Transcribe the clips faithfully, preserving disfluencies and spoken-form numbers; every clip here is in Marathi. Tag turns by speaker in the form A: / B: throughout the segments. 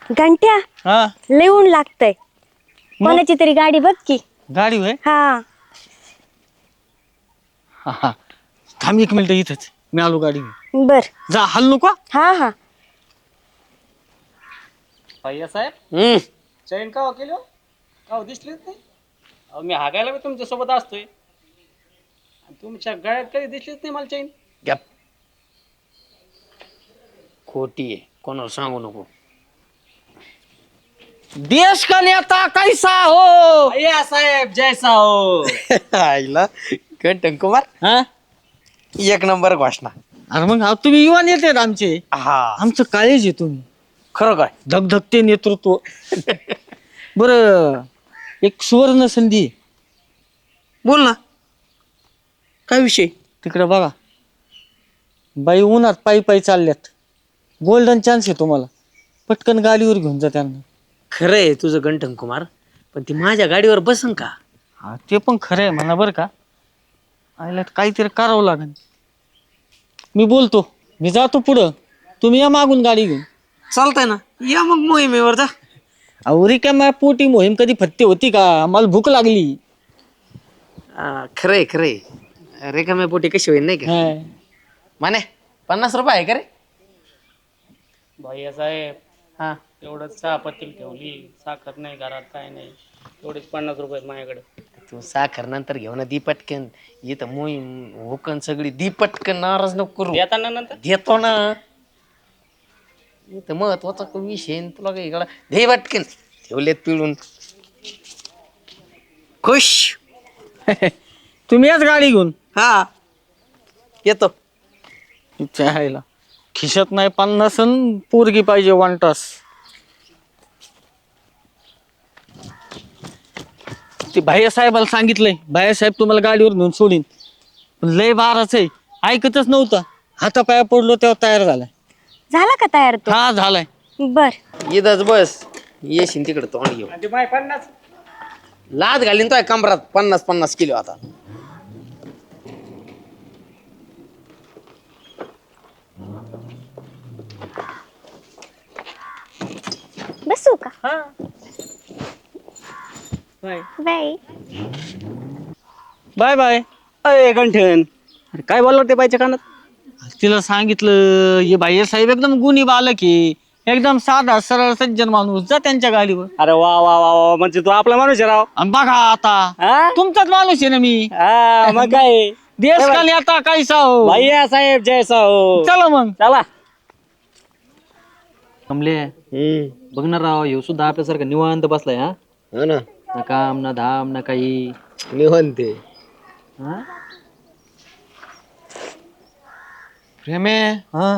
A: घंट्या
B: हा
A: लय ऊन लागतंय. कोणाची तरी गाडी बघ की.
B: गाडी होय.
A: हा
B: हा हा थांब एक मिनिट इथंच, मी आलो गाडी घेऊन.
A: बर.
B: जा हल नको.
A: हा हा
C: भैया साहेब
B: हम्म
C: चैन का केली हो? का दिसलीच नाही? अहो मी हागायला बी तुमच्या सोबत असतोय आणि तुमच्या गळ्यात कधी दिसलीच नाही मला चैन.
D: गप खोटी आहे, कोणाला सांगू नको.
B: देश का नेता कैसा हो.
C: भैया साहेब जैसा हो.
D: आईला कंटन कुमार
B: हा
D: एक नंबर घोषणा.
B: अरे मग हा तुम्ही युवा नेते आहेत आमचे.
D: हा
B: आमचं काळेज आहे तुम्ही.
D: खरं काय?
B: धगधगते नेतृत्व. बर एक सुवर्ण संधी आहे.
D: बोल ना, काय विषय?
B: तिकडे बघा, बाई उन्हात पायी पायी चालल्यात. गोल्डन चान्स आहे तुम्हाला, पटकन गाडीवर घेऊन जा त्यांना.
D: खरं आहे तुझं गंठन कुमार, पण ती माझ्या गाडीवर बसन का?
B: हा ते पण खरं आहे म्हणा बरं का. आईला काहीतरी करावं लागेल. मी बोलतो, मी जातो पुढं, तुम्ही या मागून गाडी घेऊन.
D: चालतंय ना, या मग मोहिमेवर जा.
B: अहो रिकाम्या पोटी मोहीम कधी फत्ते होती का? मला भूक लागली.
D: आ, खरंय खरंय, रेखाम्या पोटी कशी होईल नाही का?
B: हा.
D: माने पन्नास रुपये आहे का रे?
C: भैया साहेब
D: हा
C: एवढंच चहा पत्ती ठेवली, साखर नाही घरात, काय नाही, एवढेच पन्नास रुपये आहेत माझ्याकडे.
D: तू साखर नंतर घेऊ ना, दी पटकन. इथं मोहीम हुकन सगळी, दी पटकन, नाराज नको करू.
C: येताना नंतर
D: देतो ना. इथं महत्वाचा विषय आहे, तुला काही इकडं दे पटकन. ठेवलेत पिळून. खुश.
B: तुम्ही याच गाडी घेऊन.
D: हा येतो.
B: चायला खिशात नाही पन्नास अन पोरगी पाहिजे वन तास. ते भाई साहेबाला सांगितलंय, भाई साहेब तुम्हाला गाडीवर घेऊन सोडीन. पण लय बाराच आहे, ऐकतच नव्हता. हातापाया पडलो तेव्हा तयार झालाय.
A: झाला का तयार तो?
B: हा झालाय.
A: बर.
D: इथंच बस, येशील तिकडे तोंड घेऊ.
C: आणि ते माय पन्नास
D: लाद घालीन तो कमरात पन्नास पन्नास किलो आता.
A: बसू का?
B: हा बाय
A: बाय.
B: Bye bye.
C: अय गंठन, अरे काय बोलला ते बाईच्या कानात?
B: तिला सांगितलं, हे भाई साहेब एकदम गुणी बालक आहे, एकदम साधा सरळ सज्जन माणूस, जा त्यांच्या गाडीवर.
C: अरे वा वा वा वा, म्हणजे तू आपला माणूस आहे राव.
B: आणि बघा आता,
C: हा?
B: तुमचाच माणूस आहे ना मी.
C: हा, मग काय
B: देश का नेता कैसा हो.
C: भैया साहेब जैसा हो.
B: चला मग.
C: चला.
E: कमले बघणार राव, ह्यो सुद्धा आपल्यासारखा निवांत बसलाय. हा
D: हो ना,
E: ना काम ना धाम ना काही.
D: निवंते.
E: हा
F: प्रेमे,
E: हा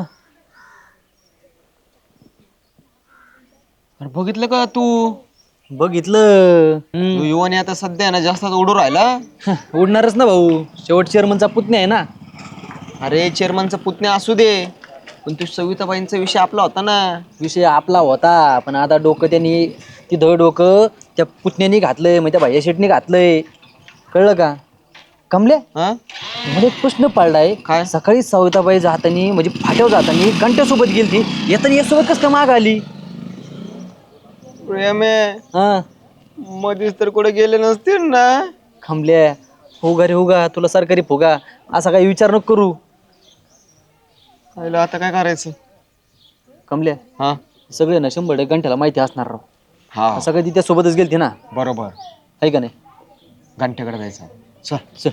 F: अरे बघितलं का तू?
E: बघितलं.
F: तू युवाने आता सध्या आहे ना जास्त उडू राहिला.
E: उडणारच ना भाऊ, शेवट चेअरमनचा पुतण्या आहे ना.
F: अरे चेअरमनचा पुतण्या असू दे, पण तू सविताबाईंचा विषय आपला होता ना.
E: विषय आपला होता, पण आता डोकं त्यांनी ती धड डोकं त्या पुतण्यानी घातलंय, मग त्या भाई शेटनी घातलंय. कळलं का कमले?
F: हा
E: मला एक प्रश्न पडलाय.
F: काय?
E: सकाळी सविताबाई जातानी म्हणजे फाट्यावर जातानी घंट्यासोबत गेली, ती येताना यासोबत कसं काय माग आली?
F: प्रेमे,
E: हा
F: मध्येच तर कुठे गेले नसतील ना.
E: खंबल्या होगा रे होगा, तुला सरकारी फुगा, असा काही विचार नको करू.
F: आईला आता काय करायचं?
E: कमल्या
F: हा
E: सगळे ना शंभर टक्के घंट्याला माहिती असणार राव.
F: हा
E: सगळे ती त्या सोबतच गेलती ना,
F: बरोबर.
E: आहे का नाही?
F: घंट्याकडे जायचं.
E: चल चल.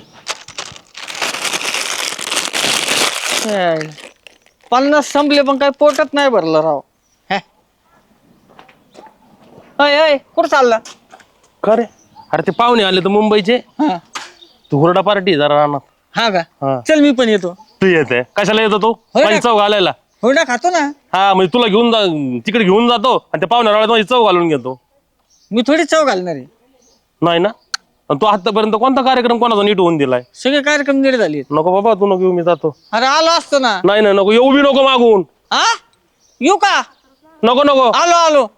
B: पन्नास संपले पण काय पोटात नाही भरलं राव. अय अय कुठं चालला?
G: खरे अरे ते पाहुणे आले तर मुंबईचे,
B: हा
G: तू हुरडा पार्टी जरा राहणार.
B: हा का?
G: हा.
B: चल मी पण येतो.
G: तू येते कशाला येतो तू?
B: होय ना.
G: माझी चव घालायला.
B: होडा खातो ना.
G: हा म्हणजे तुला घेऊन जा, तिकडे घेऊन जातो आणि त्या पाहुण्या रावळ्यात माझी चव घालून घेतो.
B: मी थोडी चव घालणार आहे.
G: नाही ना, आणि तू आतापर्यंत कोणता कार्यक्रम कोणाचा नीट होऊन दिलाय?
B: सगळे कार्यक्रम नीट झाले.
G: नको बाबा, तू नको येऊ, मी जातो.
B: अरे आलो असतो ना.
G: नाही नाही नको येऊ, बी नको मागून.
B: हा येऊ का?
G: नको नको.
B: आलो आलो.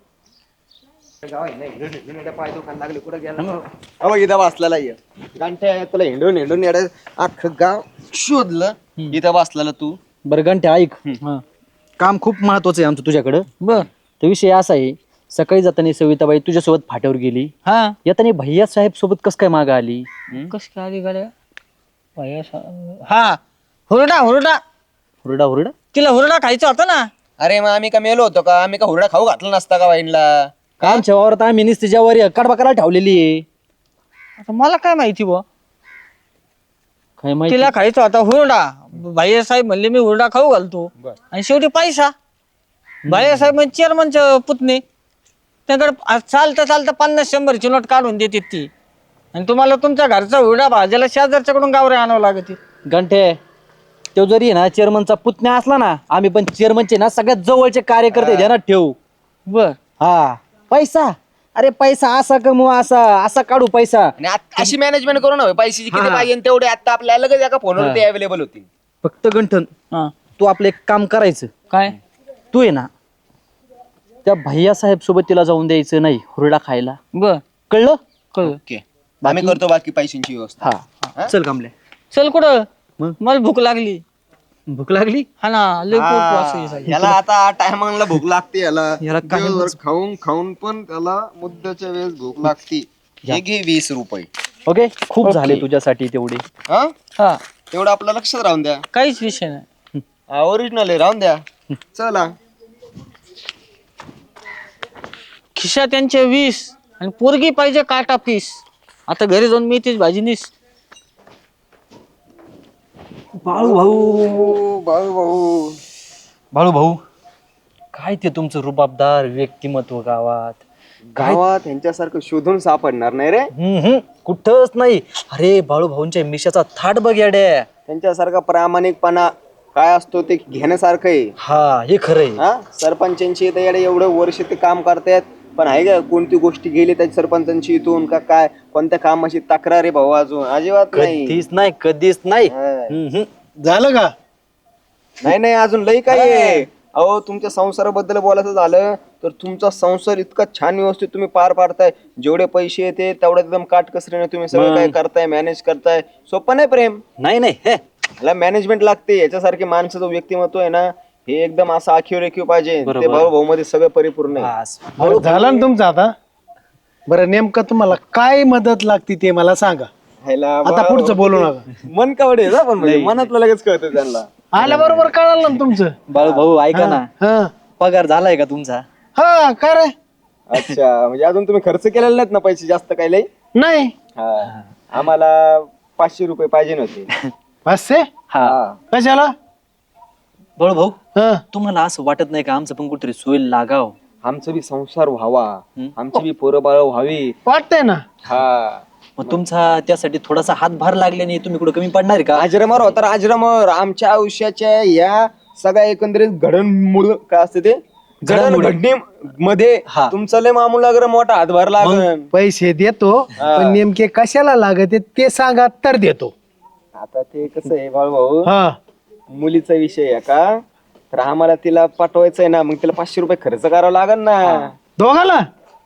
F: अहो इथं बसलेला ये घंट्या, तुला हिंडून हिंडून येडे अख्खं गाव शोधलं. इथं बसलेला तू.
E: बरं घंट्या ऐक, काम खूप महत्वाचं आहे आमचं तुझ्याकडं.
B: बर
E: तर विषय असा आहे, सकाळी जाताना सविताबाई तुझ्यासोबत फाट्यावर गेली,
B: हा
E: येताना भैया साहेब सोबत कस काय माग आली?
B: कस काय आली गाड्या भैया सा- हा हुरडा हुरडा
E: हुरडा हुरडा
B: तिला हुरडा खायचा होता ना.
F: अरे मग आम्ही का मेलो होतो का? आम्ही का हुरडा खाऊ घातला नसता का वाईनला?
E: आमच्या वावरात आम्ही नुसती ज्यावारी कडबा करायला ठेवलेली आहे.
B: आता मला काय माहिती बुवा,
E: काय माहिती?
B: तिला खायचा होता हुरडा. भैया साहेब म्हणले मी हुरडा खाऊ घालतो, आणि शेवटी पैसा. भैया साहेब म्हणजे चेअरमनचे पुतणे, त्याकडे चालता चालता पन्नास शंभरची नोट काढून देते ती, आणि तुम्हाला तुमच्या घरचा हुरडा भाजायला शेजारच्याकडून गावरे आणावं लागते.
E: घंटे तो जरी ना चेअरमनचा पुतण्या असला ना, आम्ही पण चेअरमनचे ना सगळ्यात जवळचे कार्यकर्ते ध्यानात ठेवू.
B: बर
E: हा पैसा, अरे पैसा असा कमवू, असा असा काढू पैसा.
F: आणि आत- अशी मॅनेजमेंट करू ना पैशाची किती पाहिजे तेवढे आता आपल्याला लगेच एका फोनवर ते अवेलेबल होती.
E: फक्त गंठन
B: हा
E: तू आपलं एक काम करायचं.
B: काय
E: तू आहे ना त्या भैया साहेब सोबत तिला जाऊन द्यायचं नाही हुरडा खायला,
B: बर
E: कळलं?
B: कळलं.
F: ओके आम्ही करतो बाकी पैशांची व्यवस्था.
E: हा चल कामले.
B: चल कुठं?
E: मग?
B: मला भूक लागली.
E: भूक लागली?
B: हा ना लय पोट वासू आहे.
F: याला आता टायमाला भूक लागते याला
E: याला काय
F: दिवसभर खाऊन खाऊन पण त्याला मुद्द्याच्या वेळेस भूक लागते. हे घे वीस रुपये.
E: ओके खूप झाले तुझ्यासाठी तेवढे.
F: हा
B: हा
F: तेवढं आपलं लक्षात राहून द्या.
B: काहीच विषय नाही.
F: ओरिजिनल आहे, राहून द्या. चला
B: खिशा त्यांचे वीस आणि पोरगी पाहिजे काटा पीस. आता घरी जाऊन मी तीच भाजी निस.
E: बाळू भाऊ,
F: ओ, बाळू भाऊ
E: बाळू भाऊ काय ते तुमचं रुबाबदार व्यक्तिमत्व गावात
F: गावात यांच्यासारखं शोधून सापडणार नाही रे.
E: हम्म, हम्म, कुठंच नाही. अरे बाळू भाऊंच्या मिशाचा थाट बघ याड्या.
F: त्यांच्यासारखा प्रामाणिकपणा काय असतो ते घेण्यासारखं आहे.
E: हा हे खरंय.
F: हा सरपंचांची इथं येडे एवढं वर्ष ते काम करतायत, पण आहे का कोणती गोष्टी गेली त्या सरपंचांची इथून का काय कोणत्या कामाची तक्रार आहे भाऊ? अजून अजिबात नाही.
E: कधीच नाही, कधीच नाही.
F: हा.
E: हम्म, हम्म.
H: झालं का?
F: नाही नाही अजून लई काय आहे. अहो तुमच्या संसाराबद्दल बोलायचं झालं तर तुमचा संसार इतका छान व्यवस्थित तुम्ही पार पाडताय. जेवढे पैसे येते तेवढ्या एकदम काटकसरीने तुम्ही सगळं काय करताय, मॅनेज करताय. सोपं नाही प्रेम,
E: नाही नाही हे
F: याला मॅनेजमेंट लागते. याच्यासारखे माणसाचं व्यक्तिमत्व आहे ना हे एकदम असं आखीव रेखीव पाहिजे. ते भाऊ भाऊ मध्ये सगळं परिपूर्ण आहे.
E: बस.
H: बरं झालं ना तुमचं आता? बरं नेमकं तुम्हाला काय मदत लागते ते मला सांगा.
F: ह्याला
H: आता
F: भाऊ-
H: पुढचं बोलू नका.
F: मन कावडे आहे ना, पण म्हणजे मनातलं लगेच कळतं त्यांना.
H: आल्या बरोबर कळालं ना तुमचं.
E: बाळू भाऊ ऐका ना,
H: हा
E: पगार झालाय का तुमचा?
H: हा काय रे?
F: अच्छा म्हणजे अजून तुम्ही खर्च केलेला नाहीत ना पैसे जास्त काही लई?
H: नाही
F: हा आम्हाला पाचशे रुपये पाहिजे नव्हते.
H: पाचशे
E: हा
H: कशाला?
E: बाळू भाऊ
H: हा
E: तुम्हाला असं वाटत नाही का आमचं पण कुठेतरी सोय लागाव?
F: आमचं बी संसार व्हावा, आमची बी पोरं बाळ व्हावी.
H: वाटतंय ना.
F: हा
E: मग तुमचा त्यासाठी थोडासा हातभार लागल्याने तुम्ही कुठं कमी पडणार का?
F: आजरामर होता आजरामर. आमच्या आयुष्याच्या या सगळ्या एकंदरीत घडणमूळ काय असते ते
E: घडामोडी.
F: घडणी मध्ये
E: हा.
F: तुमचं लय मामूल लागलं मोठा हातभार लागल.
H: पैसे देतो पण नेमके कशाला लागत आहे ते सांगा तर देतो.
F: आता ते कसं आहे बाळ भाऊ,
H: हा
F: मुलीचा विषय आहे का, तर आम्हाला तिला पाठवायचंय ना, मग तिला पाचशे रुपये खर्च करावा लागल ना.
H: दोघाला?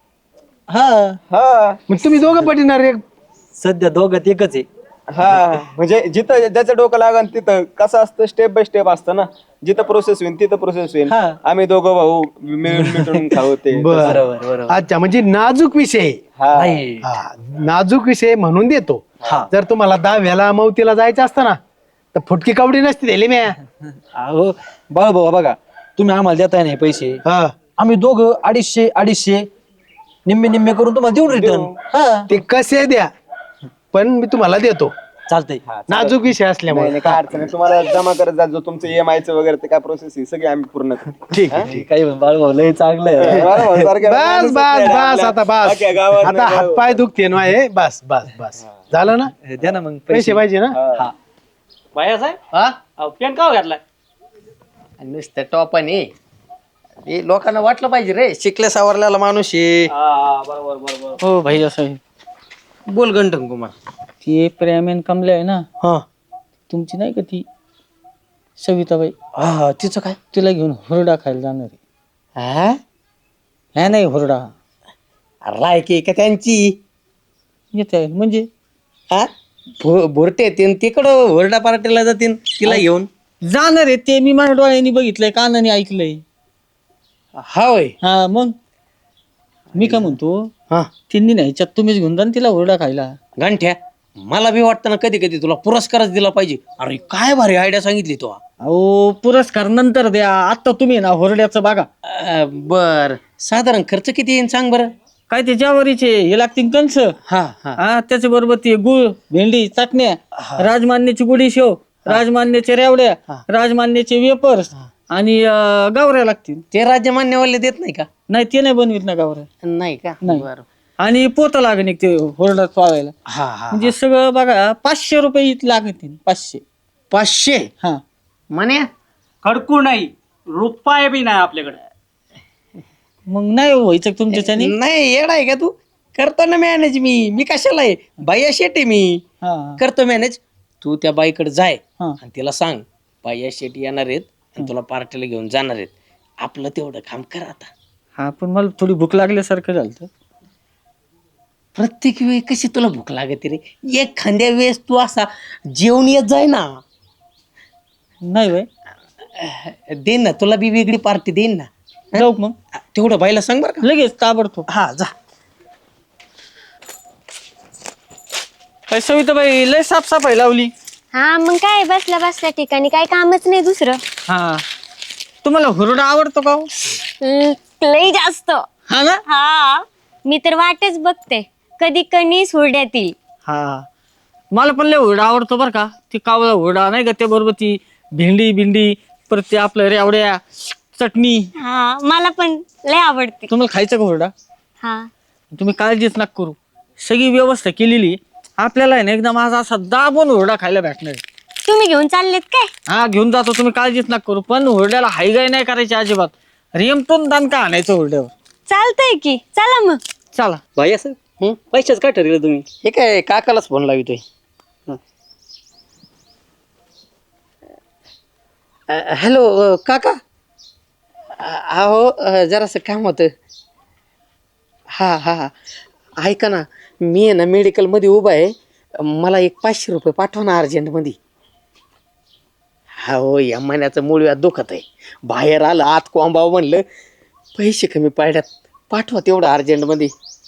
E: हा
F: हा
H: मग तुम्ही दोघं पटिणार एक?
E: सध्या दोघात एकच आहे.
F: हा म्हणजे जिथं ज्याचं डोकं लागन तिथं कसं असतं स्टेप बाय स्टेप असतं ना. जिथं प्रोसेस होईल तिथं प्रोसेस होईल.
E: हा.
F: आम्ही दोघं भाऊ मिळून मिटून खाऊ ते.
H: बरं
E: बरोबर बरोबर.
H: अच्छा म्हणजे नाजूक विषय आहे.
F: हा.
E: नाही.
H: हा नाजूक विषय म्हणून देतो.
E: हा.
H: जर तुम्हाला दहाव्याला मौतीला जायचं असतं ना तर फुटकी कवडी नसती दिली म्या.
E: अहो बाळू भाऊ बघा तुम्ही आम्हाला देताय नाही पैसे,
H: हा
E: आम्ही दोघं अडीचशे अडीचशे निम्मे निम्मे करून तुम्हाला देऊन रिटर्न. हा
H: ते कसे द्या पण मी तुम्हाला देतो.
E: चालतंय.
H: नाजूक विषय
F: नाही
H: असल्यामुळे.
F: नाही, काय अडचण नाही. तुम्हाला जमा करत जा जो तुमचं ई एम आय चं वगैरे ते काय प्रोसेस ही सगळी आम्ही पूर्ण करू.
H: ठीक आहे ठीक
E: काही बाळू भाऊ लय चांगलं आहे.
F: बरं, बरं, सारखं
H: बस
F: माणूसच
H: बस
F: नाही
H: बस
F: आपल्या-
H: आता बस
F: अख्ख्या गावात
H: आता
F: नाही भाऊ.
H: हातपाय दुखते ना हे. बस बस बस झालं ना.
E: द्या ना मग
H: पैसे पाहिजे ना.
E: हा
C: भैया साहेब
H: हा
C: अहो पेन का घातलाय?
D: नुसतं टॉपाने हे लोकांना वाटलं पाहिजे रे शिकल्या सावरलेला माणूस आहे.
C: हा बरोबर बरोबर.
B: हो भैया साहेब
D: बोल गंठन कुमार.
B: ती प्रेमेन कमले आहे ना,
H: हा
B: तुमची नाही का ती सविताबाई,
E: हा तिचं काय?
B: तिला घेऊन हुरडा खायला जाणार आहे.
D: हा
B: ह्या नाही हुरडा
D: लायकी का त्यांची
B: येते म्हणजे
D: हा भो- भोरटे येतील तिकडं ओरडा पार्टीला जातील तिला घेऊन.
B: जाणार आहे ते मी माझ्या डोळ्यांनी बघितलंय, कानाने ऐकलंय.
D: हा होय.
B: हा मग मी काय म्हणतो
C: हा
B: त्यांनी नाही ह्याच्यात तुम्हीच घेऊन जा ना तिला हुरडा खायला.
C: गंठ्या मला बी वाटतं ना कधी कधी तुला पुरस्कारच दिला पाहिजे. अरे काय भारी आयडिया सांगितली तू.
B: अहो पुरस्कार नंतर द्या, आता तुम्ही ना हुरड्याचं बघा.
C: बर साधारण खर्च किती येईल सांग बरं.
B: काय ते ज्वारीचे हे लागतील कंस,
C: हा हा
B: हा त्याच्या बरोबर ते गुळ, भेंडी, चटण्या, राजमान्याची गुडी शेव, राजमान्याचे रेवड्या, राजमान्याचे वेपर्स आणि अं, गावऱ्या लागतील.
C: ते राज्यमान्यवाले देत नाही का.
B: नाही ते नाही बनवित ना गावऱ्या.
C: नाही का
B: नाही.
C: बरं
B: आणि पोतं लागेल एक ते हुरडा पावायला.
C: हा हा
B: म्हणजे सगळं बघा पाचशे रुपये इथं लागतील. पाचशे
C: पाचशे
B: हा
C: म्हणे
I: खडकू नाही रुपये बी नाही आपल्याकडे.
B: मग नाही व्हायचं का तुमच्याच्याने.
C: नाही येडा आहे का तू. करतो ना मॅनेज मी मी कशाला आहे बाया शेट आहे मी.
B: हा
C: करतो मॅनेज. तू त्या बाईकडे जाय
B: हा.
C: आणि तिला सांग बाया शेट येणार आहेत आणि तुला पार्टीला घेऊन जाणार आहेत. आपलं तेवढं काम कर आता.
B: हा पण मला थोडी भूक लागल्यासारखं झालं.
C: प्रत्येक वेळी कशी तुला भूक लागते रे. एक खांद्या वेळेस तू असा जेवण येत जाय ना.
B: नाही बाय
C: देईन ना तुला बी वेगळी पार्टी देईन ना.
B: जाऊ मग
C: तेवढं बाईला सांग बरं का.
B: लगेच ताबडतोब.
C: हा जा.
B: काय सविताबाई लय साफसफाई लावली.
A: हा मग काय बसल्या बसल्या ठिकाणी काय कामच नाही दुसरं.
B: हा तुम्हाला हुरडा आवडतो का हो?
A: ल- लई जास्त.
B: हा ना.
A: हा मी तर वाटच बघते कधी कणीस हुरड्यातील.
B: हा मला पण लय हुरडा आवडतो बरं का. ती कावळा हुरडा नाही का, त्या बरोबर ती भेंडी बिंडी परत ते आपलं रेवड्या चटणी.
A: हा मला पण लय आवडते.
B: तुम्हाला खायचं का हुरडा.
A: हा
B: तुम्ही काळजीच नका करू, सगळी व्यवस्था केलेली. आपल्याला आहे ना एकदम आज असा दाबून हुरडा खायला भेटणार.
A: तुम्ही घेऊन चाललेत काय.
B: हा घेऊन जातो, तुम्ही काळजीच नका करू. पण हुरड्याला हायगाय नाही करायची अजिबात. रेमटून दान का आणायचं हुरड्यावर.
A: चालतंय की चला मग.
B: चला
I: भाई असं पैशाच काय ठरवलं तुम्ही.
C: हे काय काकालाच फोन लावितोय. हॅलो काका. अहो जरासं काम होतं. हा हा हा ऐका ना मी आहे ना मेडिकलमध्ये उभा आहे. मला एक पाचशे रुपये पाठवा ना अर्जंटमध्ये. हा हो या महिन्याचं मूळ व्याज दुखत आहे. बाहेर आलं आत कोंबाव म्हणलं पैसे कमी पडल्यात पाठवा तेवढं अर्जंटमध्ये.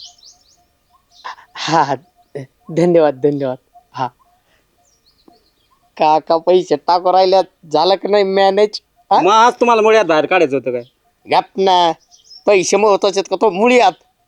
C: हा हा धन्यवाद धन्यवाद. हा काका पैसे टाकू राहिल्यात झालं का नाही मॅनेज.
I: मग आज तुम्हाला मुळ्यात बाहेर काढायचं होतं काय.
C: गप ना पैसे महत्वाचे आहेत का तो मुळ्यात.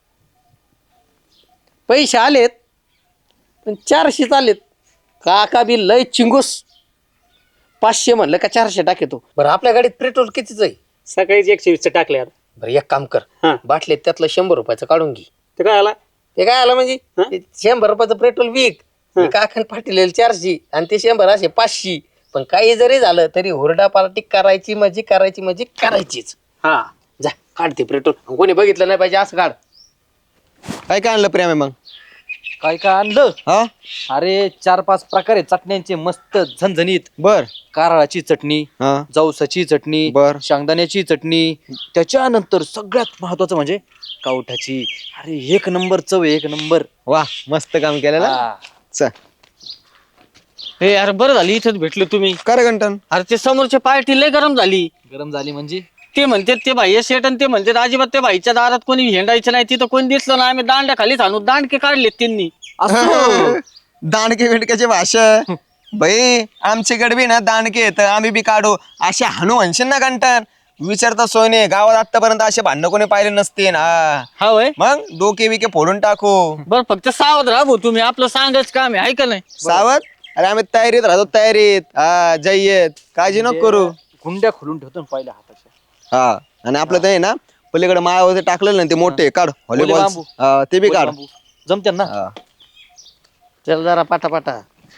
C: पैसे आलेत पण चारशेच आलेत. काका बी लय चिंगूस. पाचशे म्हणलं का चारशे टाकेतो. बरं आपल्या गाडीत पेट्रोल कितीच आहे.
I: सकाळीच एकशे वीसचं टाकले आता.
C: बरं एक काम कर
I: हा.
C: बाटलीत त्यातलं शंभर रुपयाचं काढून घे.
I: ते काय आला
C: ते काय आलं म्हणजे ते शंभर रुपयाचं पेट्रोल विक. काकान पाठवलेलं चारशे आणि ते शंभर असे पाचशे. पण काही जरी झालं तरी हुरडा पार्टी करायची मजी करायची मजी करायचीच.
I: हा
C: जा काढते पेट्रोल. कोणी बघितलं नाही पाहिजे असं काढ.
F: काय काय आणलं प्रेम आहे मग.
E: काय काय आणलं.
F: हा
E: अरे चार पाच प्रकारे चटण्यांचे मस्त झणझणीत.
F: बर
E: कारळाची चटणी,
F: हा
E: जवसाची चटणी,
F: बर.
E: शेंगदाण्याची चटणी, त्याच्यानंतर सगळ्यात महत्वाचं म्हणजे कावठाची. अरे एक नंबर चव आहे, एक नंबर.
F: वा मस्त काम केलं ना.
E: हा.
F: चल
B: हे यार बरं झाली इथंच भेटले तुम्ही.
F: कर घंटन.
B: अरे ते समोरची पार्टी लय गरम झाली.
E: गरम झाली म्हणजे
B: ते म्हणते ते भाई शेट आणि ते म्हणते अजिबात त्या भाईच्या दारात कोणी हिंडायचं नाही. तिथं कोणी दिसलं ना आम्ही दांड्या खाली आणू दांडके काढलेत त्यांनी.
F: दांडके बिंडक्याची भाषा भाई आमच्याकडे बी ना दांडके येत आम्ही बी काढू. असे हानू म्हणशील ना घंटन विचारता सोयने. गावात आतापर्यंत असे भांडणं कोणी पाहिले नसते ना.
B: हा वय
F: मग डोके बिके फोडून टाकू.
B: बरं फक्त सावध राहा भाऊ तुम्ही. आपलं सांगायचं काम आहे का नाही.
F: सावध. अरे आम्ही तयारीत राहतो तयारीत. हा जय्यत काळजी नको करू.
E: गुंड्या खोलून ठेवतो ना पहिल्या हाताच्या.
F: हा आणि आपलं ते आहे ना पलीकडे माळावर टाकलेलं ना ते मोठे काढ व्हॉलीबॉल.
E: बांबू.
F: हा, ते बी काढ.
E: जमत्या ना.
F: हा.
C: चल जरा पाटा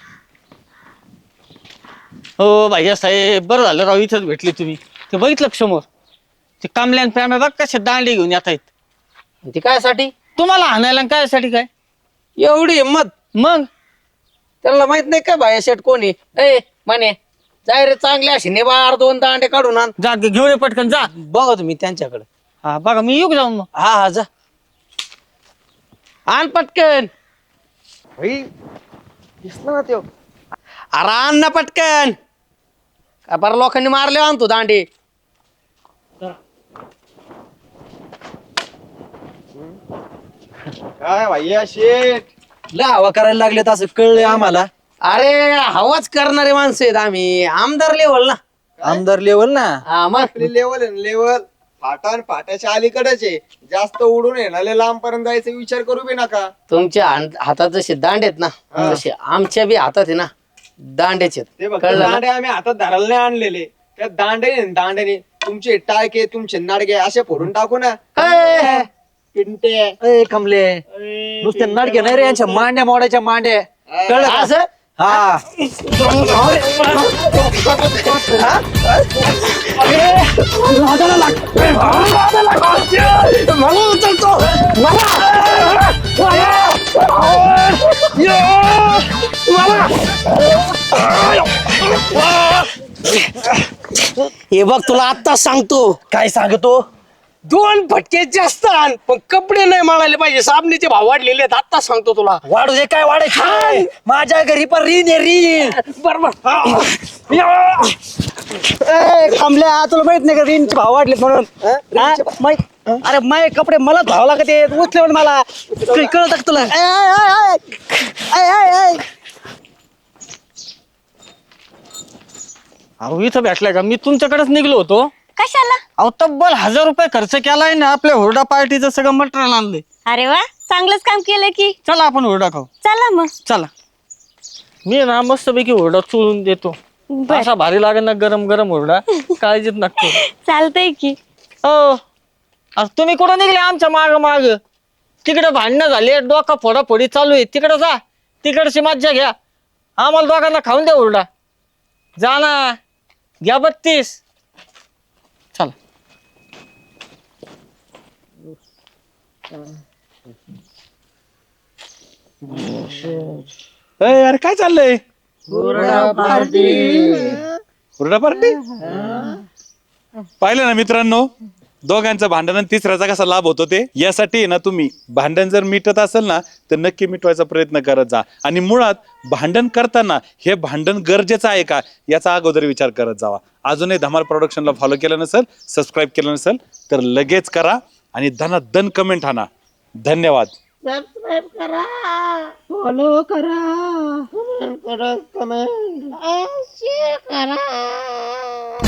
B: हो भाई साहेब बरं झालं राव इथंच भेटले तुम्ही. ते बघितलं का समोर ते कामल्यान प्याम्या बघ कशा दांडे घेऊन येत आहेत.
C: ते कायसाठी
B: तुम्हाला हाणायला आणि कायसाठी काय.
C: एवढी हिंमत.
B: मग
C: त्याला माहित नाही का बाया शेट कोणी. ए माने जाय रे चांगले असे निबार दोन दांडे काढून आण.
B: जा घेऊन ये पटकन जा.
C: बघा तुम्ही त्यांच्याकडे.
B: हा बघा मी येऊ का जाऊन मग.
C: हा हा जा आण पटकन.
F: भाई दिसला ना त्यो.
C: अरे आण ना पटकन. का बरं लोकांनी मारले आणतो दांडे.
F: काय भैया शेठ
E: लय हवा करायला लागले असं कळलंय आम्हाला.
C: अरे हवाच करणारे माणसं आहेत आम्ही आमदार लेवल ना.
E: आमदार लेवल ना.
C: हा मग
F: आपली लेवल आहे लेवल फाटान फाट्याच्या अलीकडेच आहे. जास्त उडून येणारे लांब पर्यंत जायचा विचार करू बी नका.
C: तुमच्या हात- हातात जसे दांड आहेत ना तसे आमच्या बी हातात आहे ना दांड्याचे आहेत.
F: ते बघ
C: कळलं ना?
F: दांडे आम्ही हातात धरायला नाही आणलेले. त्या दांडे दांड्याने तुमचे टाळके तुमचे नाडगे असे फोडून टाकू ना.
C: ए,
F: पिंटे
E: ए कमले नुसते नाटके नाही रे यांच्या मांड्या मोडायच्या मांड्या. कळलं का?
C: असं
E: हा
C: हे बघ तुला आत्ताच सांगतो.
E: काय सांगतो.
C: दोन फटके जास्त आण पण कपडे नाही माळायला पाहिजे. साबणीचे भाव वाढलेले आहेत. आत्ताच सांगतो तुला.
E: वाढू दे काय वाढायचं. माझ्या घरी पण रीन आहे रीन.
C: बरोबर
E: थांबल्या तुला माहित नाही का रीनचे भाव वाढले म्हणून. हा? माहित- अरे माय कपडे मला भाव लागत आहेत उचले पण मला काही कळत का तुला. ए, ए, ए, ए, ए, ए, ए.
B: अहो इथं भेटलाय का? मी तुमच्याकडेच निघलो होतो.
A: कशाला?
B: अहो तब्बल हजार रुपये खर्च केलाय ना आपल्या हुरडा पार्टीचं सगळं मटेरियल आणलंय.
A: अरे वा, चांगलंच काम केलं की.
B: चला आपण हुरडा खाऊ.
A: चला मग.
B: चला. मी ना मस्तपैकी हुरडा चोळून देतो.
A: बर.
B: असा भारी लागेल ना गरम गरम हुरडा. काळजीत नक्की.
A: चालतंय की.
B: हो अरे तुम्ही कुठं निघले आमच्या माग माग. तिकडे भांडणं झाले डोका फोडाफोडी चालू आहे. तिकडे जा तिकडची मज्जा घ्या. आम्हाला दोघांना खाऊन द्या हुरडा. जा ना घ्या बत्तीस. चला.
J: अरे काय चाललंय. हुरडा पार्टी पाहिलं ना मित्रांनो दोघांचं भांडण आणि तिसऱ्याचा कसा लाभ होतो ते. यासाठी ना तुम्ही भांडण जर मिटत असेल ना तर नक्की मिटवायचा प्रयत्न करत जा. आणि मुळात भांडण करताना हे भांडण गरजेचं आहे का याचा अगोदर विचार करत जावा. अजूनही धमाल प्रोडक्शनला फॉलो केलं नसेल सबस्क्राईब केलं नसेल तर लगेच करा आणि धनाधन कमेंट आणा. धन्यवाद.
C: सबस्क्राईब करा फॉलो करा कमेंट करा शेअर करा.